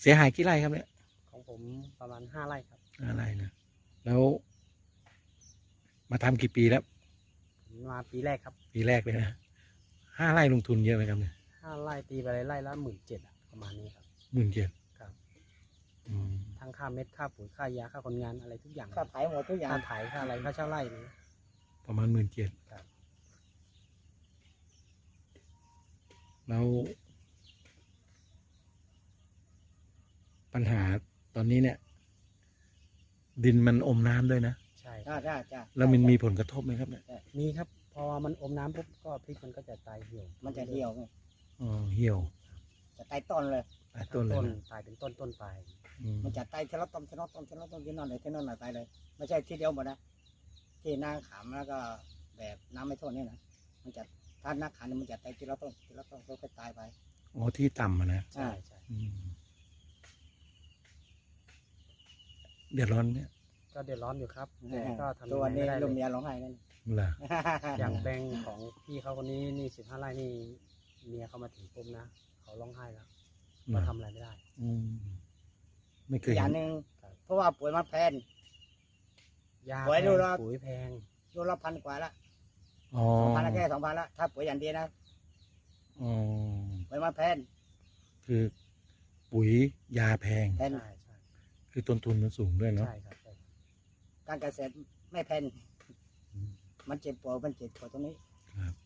เสียหายกี่ไร่ครับเนี่ยของผมประมาณ5 ไร่ครับ 5 ไร่นะแล้วมาทำกี่ปีแล้วมาปีแรกครับปีแรกเลยนะ5 ไร่ลงทุนเยอะไหมครับเนี่ย 5 ไร่ตีไปไร่ละ17,000ประมาณนี้ครับ 17,000 ครับอืมทั้งค่าเม็ดค่าปุ๋ยค่ายาค่าคนงานอะไรทุกอย่างค่าไถหมดทุกอย่างค่าไถค่าอะไรค่าเช่าไร่นี่ประมาณ17,000 ครับแล้วปัญหาตอนนี้เนี่ย ดินมันอมน้ำด้วยนะใช่คจ้ารับจ้าจ้าแล้วมันมีผลกระทบไหมครับเนี่ยมีครับพอมันอมน้ำปุ๊บก็พริกมันก็จะตายเหี่ยวมันจะเหี่ยวไงอ๋อเหี่ยวจะตายต้นเลยตายต้ต้นนเลยต้นนะตายเป็นต้นไปอืมมันจะตายทีละต้นทีละต้นทีละต้นที่นั่นเลยที่นั่นเลยตายเลย ไม่ใช่ทีเดียวหมดนะที่นาขามแล้วก็แบบน้ำไม่ท่วมนี่นะมันจะถ้านาขามเนี่ยมันจะตายทีละต้นทีละต้นค่อยๆตายไปอ๋อที่ต่ำอะนะใช่ใช่อืมเดือดร้อนเนี่ยก็เดือดร้อนอยู่ครับแต่ก็ทำตัวยังไงนี้ไม่ได้ลูกเลเมียยร้องไห้นั่นเหรออย่างแบงค์ของพี่เขาคนนี้นี่15 ไร่นี่เมียเขามาถึงปุ๊บนะเขาร้องไห้แล้วเหรเราอทำอะไรไม่ได้อืมไม่เคอียกอเห็ย่างนหนึ่งครับเพราะว่าปุ๋ยมันแพงยาไว้แพดูงแล้วปุ๋ยแพงโลละพันกว่าละอ๋อ 2,000ละแค่2,000ละถ้าปุ๋ยอย่างเดียวนะอ๋อปุ๋ยมันแพงคือปุ๋ยยาแพงแพงใช่ใช่คือต้นทุนมันสูงด้วยเนาะใช่ครับใช่ครับการเกษตรไม่แพงอืมมันเจ็บปวดตรงนี้ครับ